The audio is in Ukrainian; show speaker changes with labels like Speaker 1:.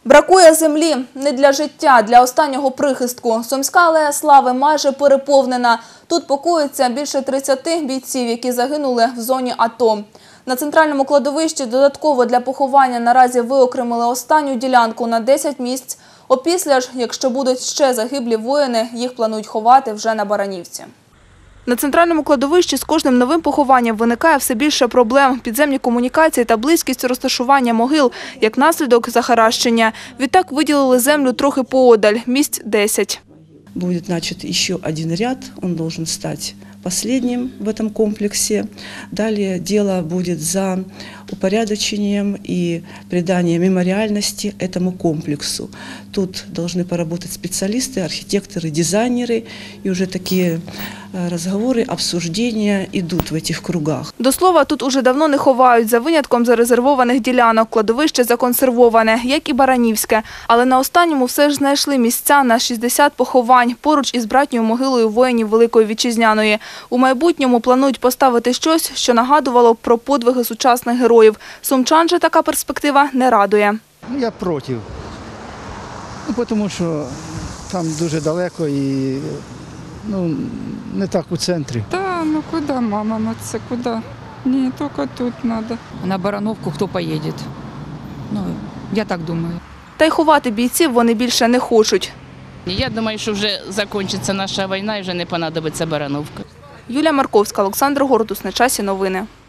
Speaker 1: Бракує землі не для життя, для останнього прихистку. Сумська алея Слави майже переповнена. Тут покоїться більше 30 бійців, які загинули в зоні АТО. На центральному кладовищі додатково для поховання наразі виокремили останню ділянку на 10 місць. Опісля ж, якщо будуть ще загиблі воїни, їх планують ховати вже на Баранівці. На центральному кладовищі з кожним новим похованням виникає все більше проблем. Підземні комунікації та близькість розташування могил, як наслідок захаращення. Відтак виділили землю трохи поодаль, місць 10.
Speaker 2: Будет начат еще один ряд, он должен стать последним в этом комплексе. Далее дело будет за упорядочением и приданием мемориальности этому комплексу. Тут должны поработать специалисты, архитекторы, дизайнеры, и уже такие разговоры, обсуждения идут в этих кругах.
Speaker 1: До слова, тут уже давно не ховають, за винятком зарезервованих ділянок. Кладовище законсервоване, як і Баранівське. Але на останньому все ж знайшли місця на 60 поховань, поруч із братньою могилою воїнів Великої Вітчизняної. У майбутньому планують поставити щось, що нагадувало б про подвиги сучасних героїв. Сумчан же така перспектива не радує.
Speaker 3: Я проти. Тому що там дуже далеко і не так у центрі.
Speaker 4: Да, куди, мама, це куди? Ні, тільки тут треба.
Speaker 5: На Барановку хто поїде? Я так думаю.
Speaker 1: Та й ховати бійців вони більше не хочуть.
Speaker 6: Я думаю, що вже закінчиться наша війна і вже не понадобиться Барановка.
Speaker 1: Юлія Марковська, Олександр Гордус. На часі новини.